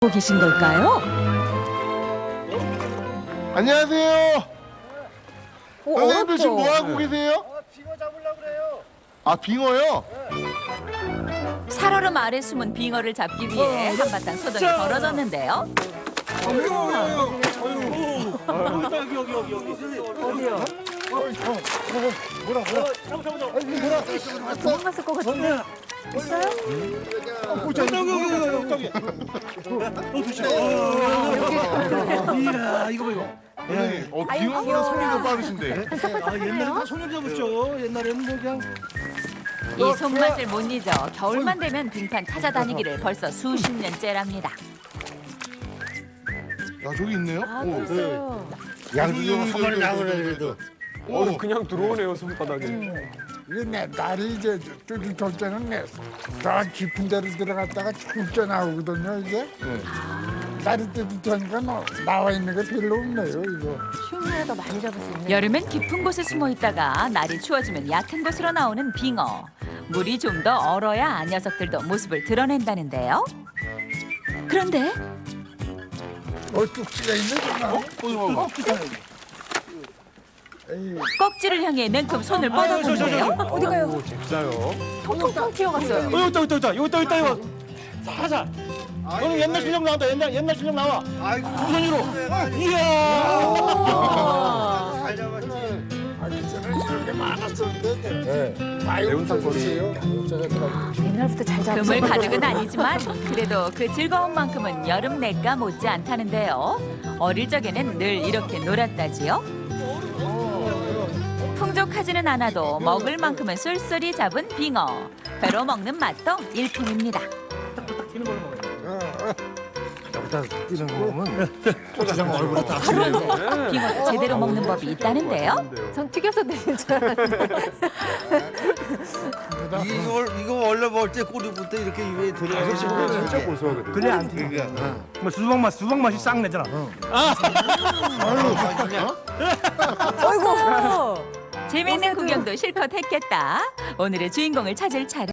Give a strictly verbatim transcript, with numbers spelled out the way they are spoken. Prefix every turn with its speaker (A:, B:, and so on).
A: 하고 계신 걸까요?
B: 안녕하세요.
A: 어,
B: 선생님들 지금 뭐
A: 어렵죠?
B: 하고 계세요?
C: 아, 빙어 잡으려고 그래요.
B: 아, 빙어요?
A: 살얼음 아래 숨은 빙어를 잡기 위해 한바탕 소동이 벌어졌는데요.
C: 여기 여기 여기 여기. 어디요?
A: 도망갔을 것 같은데. 있어요?
C: 저기 여기 여기 여기. 이야 이거 봐 이거.
B: 선생님, 어, 빙어보다 손이 더 빠르신데.
C: 아 옛날에 다 손을 잡았죠. 옛날에는 뭐 그냥.
A: 이 손맛을 못 잊어 겨울만 되면 빙판 찾아다니기를 벌써 수십 년째랍니다.
B: 야, 저기 있네요?
A: 아,
B: 오.
A: 벌써요.
D: 양주 좀 한 마리 나오네 그래도.
B: 오,
E: 그냥 들어오네요 손바닥에.
D: 이게 내 날이 이제 뚜렷할 때는 내, 더 깊은 데로 들어갔다가 출제 나오거든요 이게. 날이 뜨뜻하니까 나- 나와 있는 게 별로 없네요 이거.
F: 흉내도 많이 잡을 수 있는.
A: 여름엔 깊은 곳에 숨어 있다가 날이 추워지면 얕은 곳으로 나오는 빙어. 물이 좀 더 얼어야 녀석들도 모습을 드러낸다는데요. 그런데
D: 어 뚝지가 있네 정말.
B: 어, 이거
D: 에이,
A: 꺽지를 향해 냉큼 손을 뻗어보는데요.
F: 어디 가요?
E: 잽싸요.
F: 통통통 튀어갔어요.
C: 어 여기 있다 여기 있다 여기 있다 여기 있다 이거. 살살. 오늘 옛날 실력 나온다 옛날 옛날 실력 나와. 아이고 두 손으로. 이야.
B: 잘 잡았지.
D: 아 그전에 이런 게 많았었는데. 네. 매운탕 거리예요.
F: 옛날부터 잘 잡았어.
A: 그물 가득은 아니지만 그래도 그 즐거운 만큼은 여름 내가 못지 않다는데요. 어릴 적에는 늘 이렇게 놀았다지요. 풍족하지는 않아도 먹을 만큼은 쏠쏠히 잡은 빙어. 배로 먹는 맛도 일품입니다.
D: 여기다 뛰는 거 보면 고추장 얼굴에 다.
A: 그런데 빙어도 제대로 먹는 법이 있다는데요.
F: 전 튀겨서 드실 줄 알았는데.
G: 이걸 이거 원래 먹을 때 꼬리부터 이렇게 입에 들어가서
E: 진짜 고소하거든요.
C: 그래 안 돼. 뭐 수박 맛 수박 맛이 싹 내잖아.
F: 어이구.
A: 재미있는 구경도 실컷 했겠다. 오늘의 주인공을 찾을 차례.